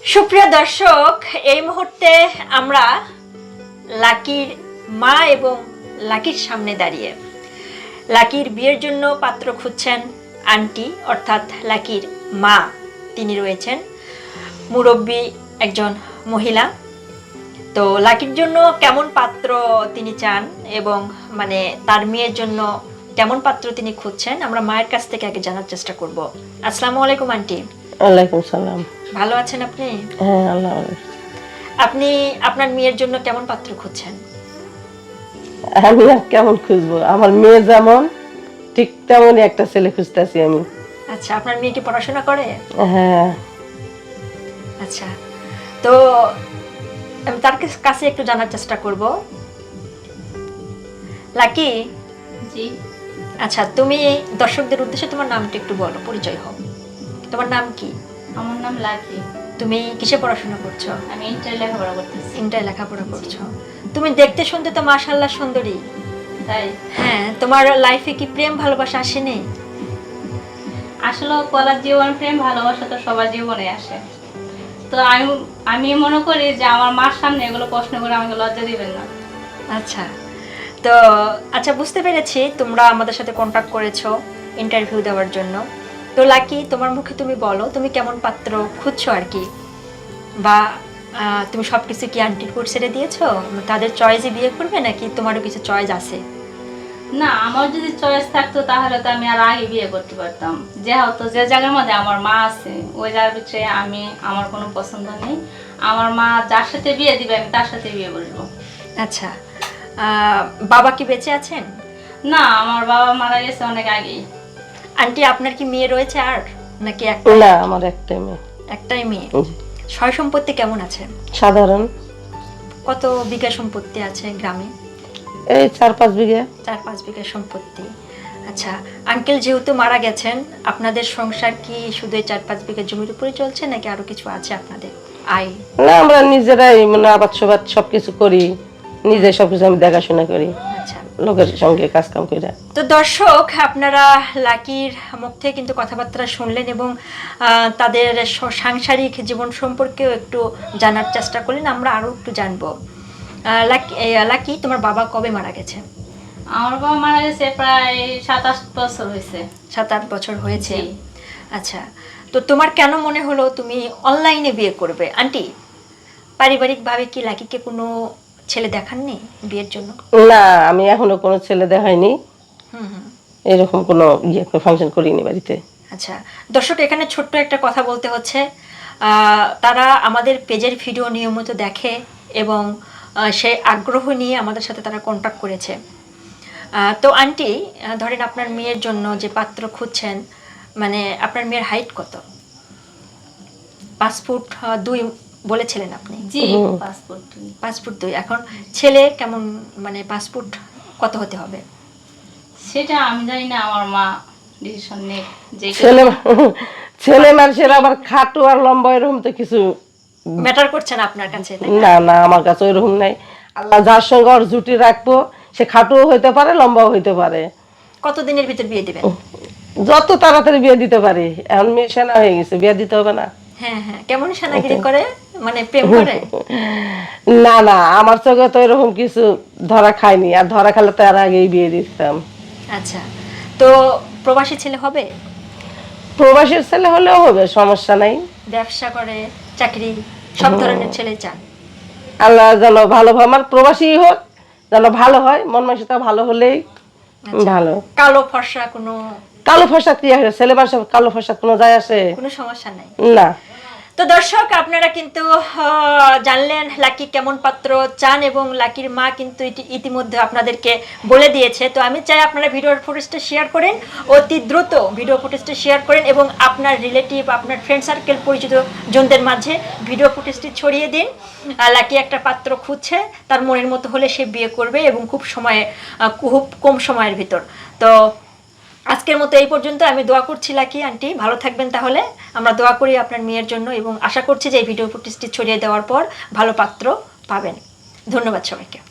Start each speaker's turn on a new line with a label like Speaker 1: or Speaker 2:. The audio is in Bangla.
Speaker 1: সুপ্রিয় দর্শক, এই মুহূর্তে আমরা লাকির মা এবং লাকির সামনে দাঁড়িয়ে লাকির বিয়ের জন্য পাত্র খুঁজছেন আন্টি, অর্থাৎ লাকির মা। তিনি রয়েছেন মুরব্বী একজন মহিলা। তো লাকির জন্য কেমন পাত্র তিনি চান এবং তার মেয়ের জন্য কেমন পাত্র তিনি খুঁজছেন, আমরা মায়ের কাছ থেকে আগে জানার চেষ্টা করব। আসসালামু আলাইকুম আন্টি।
Speaker 2: ওয়ালাইকুম সালাম।
Speaker 1: ভালো আছেন আপনি?
Speaker 2: হ্যাঁ, আল্লাহ।
Speaker 1: আপনি আপনার মেয়ের জন্য কেমন পাত্র খুঁজছেন?
Speaker 2: আমি আর কেমন খুঁজবো, আমার মেয়ে যেমন ঠিক তেমনই একটা ছেলে খুঁজতেছি আমি।
Speaker 1: আচ্ছা, আপনার মেয়ে কি পড়াশোনা করে?
Speaker 2: হ্যাঁ।
Speaker 1: আচ্ছা, তো আমি তার কাছে একটু জানার চেষ্টা করব। লাকি
Speaker 3: জি।
Speaker 1: আচ্ছা, তুমি দর্শকদের উদ্দেশ্যে তোমার নামটা একটু বলো, পরিচয় হও। তোমার নাম কি?
Speaker 3: আমার নাম লাকি।
Speaker 1: তুমি কিসে পড়াশোনা করছো?
Speaker 3: আমি ইন্টার লেখাপড়া করতেছি।
Speaker 1: ইন্টার লেখাপড়া করছো। তুমি দেখতে শুনতে তো মাশাআল্লাহ সুন্দরী।
Speaker 3: তাই?
Speaker 1: হ্যাঁ, তোমার লাইফে কি প্রেম ভালোবাসা আসেনি?
Speaker 3: আসলে কলেজ জীবন, প্রেম ভালোবাসা তো সবার জীবনে আসে। তো আমি মনে করি যে আমার মার সামনে এগুলো প্রশ্ন করে আমাকে লজ্জা দিবেন না।
Speaker 1: আচ্ছা, তো আচ্ছা, বুঝতে পেরেছি তোমরা আমাদের সাথে কন্ট্যাক্ট করেছো ইন্টারভিউ দেওয়ার জন্য। তো লাকি, তোমার মুখে তুমি বলো তুমি কেমন পাত্র খুঁজছো আর কি, বা তুমি সবকিছু কি আন্টির উপর ছেড়ে দিয়েছো? তাদের চয়েসে বিয়ে করবে নাকি তোমারও কিছু চয়েস আছে?
Speaker 3: না, আমার যদি চয়েস থাকতো তাহলে তো আমি আর আগে বিয়ে করতে পারতাম। যেহেতু যে জায়গার মধ্যে আমার মা আছে ওই জায়গার ভিতরে আমার কোনো পছন্দ নেই। আমার মা যার সাথে বিয়ে দিবে আমি তার সাথে বিয়ে বসবো।
Speaker 1: আচ্ছা, বাবা কি বেঁচে আছেন?
Speaker 3: না, আমার বাবা মারা গেছে অনেক আগেই।
Speaker 1: আন্টি, আপনার কি মেয়ে রয়েছে আর নাকি
Speaker 2: না, আমার একটাই মেয়ে।
Speaker 1: একটাই মেয়ে।
Speaker 2: জি।
Speaker 1: সয় সম্পত্তি কেমন আছে?
Speaker 2: সাধারণ।
Speaker 1: কত বিঘা সম্পত্তি আছে গ্রামে?
Speaker 2: এই 4-5 বিঘা।
Speaker 1: 4-5 বিঘা সম্পত্তি। আচ্ছা, আঙ্কেল যেহেতু মারা গেছেন, আপনাদের সংসার কি শুধু 4-5 বিঘা জমির উপরে চলছে নাকি আরো কিছু আছে আপনাদের আয়?
Speaker 2: না, আমরা নিজেরাই আবাদ সবাদ সবকিছু করি, নিজে সবকিছু আমি দেখাশোনা করি,
Speaker 1: আচ্ছা,
Speaker 2: লোকের সঙ্গে কাজ কাম করে।
Speaker 1: তো দর্শক, আপনারা লাকির মুখ থেকে কিন্তু কথাবার্তা শুনলেন এবং তাদের সাংসারিক জীবন সম্পর্কেও একটু জানার চেষ্টা করলেন। আমরা আরো একটু জানবো। লাকি, তোমার বাবা কবে মারা গেছে?
Speaker 3: আমার বাবা মারা গেছে প্রায় 7-8 বছর হয়েছে।
Speaker 1: 7-8 বছর হয়েছে। আচ্ছা, তো তোমার কেন মনে হলো তুমি অনলাইনে বিয়ে করবে? আন্টি, পারিবারিকভাবে কি লাকিকে কোনো ছেলে দেখাননি বিয়ের জন্য?
Speaker 2: না, আমি এখনো কোনো ছেলে দেখাইনি।
Speaker 1: হুম।
Speaker 2: এরকম কোনো ফাংশন করিনি বাড়িতে।
Speaker 1: আচ্ছা, দর্শক, এখানে ছোট্ট একটা কথা বলতে হচ্ছে। তারা আমাদের পেজের ভিডিও নিয়মিত দেখে এবং সেই আগ্রহ নিয়ে আমাদের সাথে তারা কন্ট্যাক্ট করেছে। তো আন্টি, ধরেন আপনার মেয়ের জন্য যে পাত্র খুঁজছেন, আপনার মেয়ের হাইট কত? 5 ফুট 2 বলেছিলেন আপনি?
Speaker 3: জি, 5 ফুট 2।
Speaker 1: এখন ছেলে কেমন, 5 ফুট কত হতে হবে?
Speaker 3: সেটা আমি জানি না, আমার মা ডিসিশন নেই। যে
Speaker 2: ছেলে মানুষের আবার খাটো আর লম্বা এরকম তো কিছু
Speaker 1: ম্যাটার করছে না আপনার কাছে?
Speaker 2: না না, আমার কাছে ওইরকম নাই। আল্লাহ যার সঙ্গে ওর জুটি রাখবো সে খাটোও হইতে পারে, লম্বাও হইতে পারে।
Speaker 1: কত দিনের ভিতর বিয়ে দিবেন?
Speaker 2: যত তাড়াতাড়ি বিয়ে দিতে পারি। এখন মেয়ে সেনা হয়ে গেছে, বিয়ে দিতে হবে না?
Speaker 1: হ্যাঁ হ্যাঁ, কেমন সেনাগিরি করে, প্রেম করে?
Speaker 2: না না, আমার চোখে তো এরকম কিছু ধরা খায়নি, আর ধরা খেলে তো আর আগেই বিয়ে দিতাম।
Speaker 1: আচ্ছা, তো প্রবাসী ছেলে হবে?
Speaker 2: প্রবাসীর ছেলে হলেও হবে, সমস্যা নাই।
Speaker 1: ব্যবসা করে, চাকরি, সব ধরনের ছেলে চান?
Speaker 2: আল্লাহ যেন ভালো, আমার প্রবাসী হোক, যেন ভালো হয়, মন মানসিকতা ভালো হলেই ভালো।
Speaker 1: কালো ফর্সা কোনো?
Speaker 2: কালো ফসা কি আছে, ছেলে মানুষ কালো ফসা কোনো যায় আসে?
Speaker 1: কোনো সমস্যা নাই
Speaker 2: না।
Speaker 1: তো দর্শক, আপনারা কিন্তু জানলেন লাকি কেমন পাত্র চান এবং লাকির মা কিন্তু ইতিমধ্যে আপনাদেরকে বলে দিয়েছে। তো আমি চাই আপনারা ভিডিওর ফুটেজটা শেয়ার করেন, অতি দ্রুত ভিডিও ফুটেজটা শেয়ার করেন এবং আপনার রিলেটিভ, আপনার ফ্রেন্ড সার্কেল, পরিচিত জনদের মাঝে ভিডিও ফুটেজটি ছড়িয়ে দিন। লাকি একটা পাত্র খুঁজছে, তার মনের মতো হলে সে বিয়ে করবে এবং খুব কম সময়ের ভিতর। তো আজকের মতো এই পর্যন্ত। আমি দোয়া করছি লাকি আন্টি ভালো থাকবেন। তাহলে আমরা দোয়া করি আপনার মেয়ের জন্য এবং আশা করছি যে এই ভিডিও ফুটেজটি ছড়িয়ে দেওয়ার পর ভালো পাত্র পাবেন। ধন্যবাদ সবাইকে।